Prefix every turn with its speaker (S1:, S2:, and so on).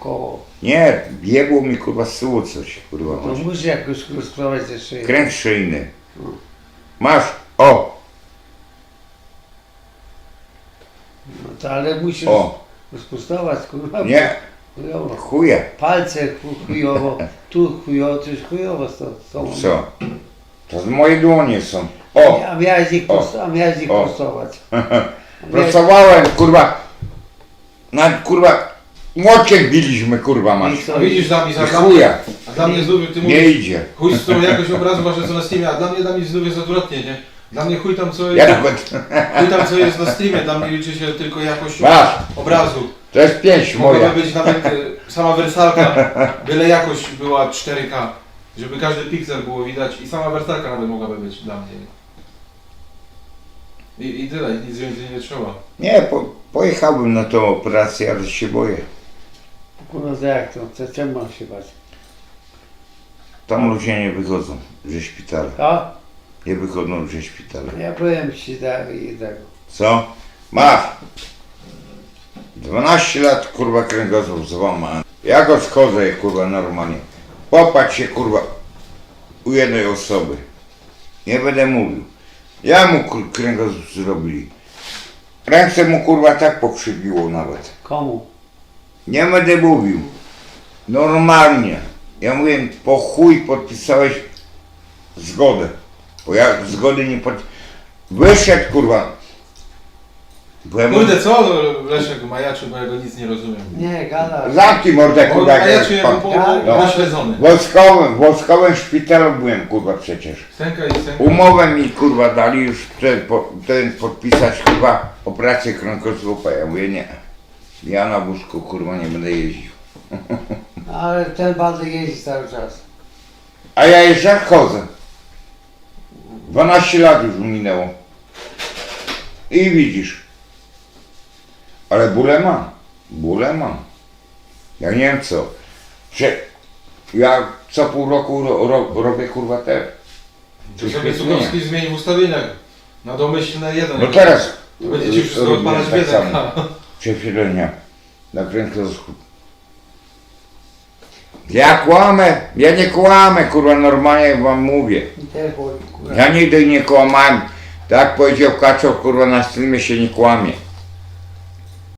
S1: koło.
S2: Nie, biegło mi kurwa z tyłu coś, kurwa.
S1: To musisz jakoś rozprawiać ze szyi.
S2: Kręg szyjny. Masz, o,
S1: No to ale musisz
S2: o,
S1: rozprostować, kurwa.
S2: nie,
S1: Chujowo.
S2: chuje.
S1: Palce chujowo, tu chujowo, coś chujowo z tą.
S2: Co? To z moje dłonie są. O,
S1: A miałeś ich,
S2: O. O.
S1: prostować.
S2: pracowałem, kurwa. Nawet kurwa, młocie biliśmy, kurwa
S1: I
S2: masz.
S1: co?
S3: A widzisz dla mnie,
S2: I
S3: a
S2: chuja,
S3: dla mnie znów, ty
S2: nie
S3: mówisz,
S2: idzie.
S3: chuj z tą jakość obrazu wasze co na streamie, a dla mnie znów jest odwrotnie, nie? Dla mnie chuj tam co
S2: Ja
S3: jest,
S2: nawet,
S3: chuj tam co jest na streamie, dla mnie liczy się tylko jakość
S2: masz,
S3: obrazu.
S2: to jest pięć moja.
S3: Mogłaby być nawet sama wersalka, byle jakość była 4K, żeby każdy piksel było widać i sama wersalka nawet mogłaby być dla mnie. I tyle, nic więcej nie trzeba.
S2: Nie, pojechałbym na tą operację, ale się boję.
S1: Kurwa, to jak to? Czemu mam się bać?
S2: Tam ludzie nie wychodzą ze szpitala.
S1: A?
S2: Nie wychodzą ze szpitala.
S1: Ja powiem ci tak i tego.
S2: Co? Masz! 12 lat kurwa kręgosłup złamany. Ja go schodzę kurwa normalnie. Popatrz się kurwa u jednej osoby. Nie będę mówił. Ja mu kręgosłup zrobili. Ręce mu kurwa tak pokrzywiło nawet.
S1: Komu?
S2: Nie będę mówił. Normalnie. Ja mówię, po chuj podpisałeś zgodę. Bo ja zgody nie pod... Wyszedł kurwa. Byłem...
S3: Kurde co Leszek majaczy, bo ja go nic nie rozumiem.
S1: Nie, gada.
S2: Zamknij mordę kurwa. jak
S3: Majaczy
S2: jest
S3: jako
S2: pan-
S1: No.
S3: naśledzony.
S2: W wojskowym szpitalu byłem kurwa przecież.
S3: Stęka i stęka.
S2: Umowę mi kurwa dali już ten podpisać kurwa operację kręgosłupa. Ja mówię nie. Ja na wózku kurwa nie będę jeździł.
S1: Ale ten bandy jeździ cały czas.
S2: A ja jeszcze chodzę. 12 lat już minęło. I widzisz. Ale bóle mam. Bóle mam. Ja nie wiem co. Że ja co pół roku robię kurwa te.
S3: To sobie Cukowski zmieni w ustawieniach. Na domyślne jeden.
S2: No teraz.
S3: To będzie ci wszystko
S2: robię
S3: odpalać
S2: tak
S3: biedę.
S2: samo. Przesilenia. Na kręgosłup. Ja kłamę. Ja nie kłamę kurwa normalnie wam mówię.
S1: I też boli, kurwa.
S2: Ja nigdy nie kłamałem. Tak jak powiedział Kaczow, kurwa na streamie się nie kłamie.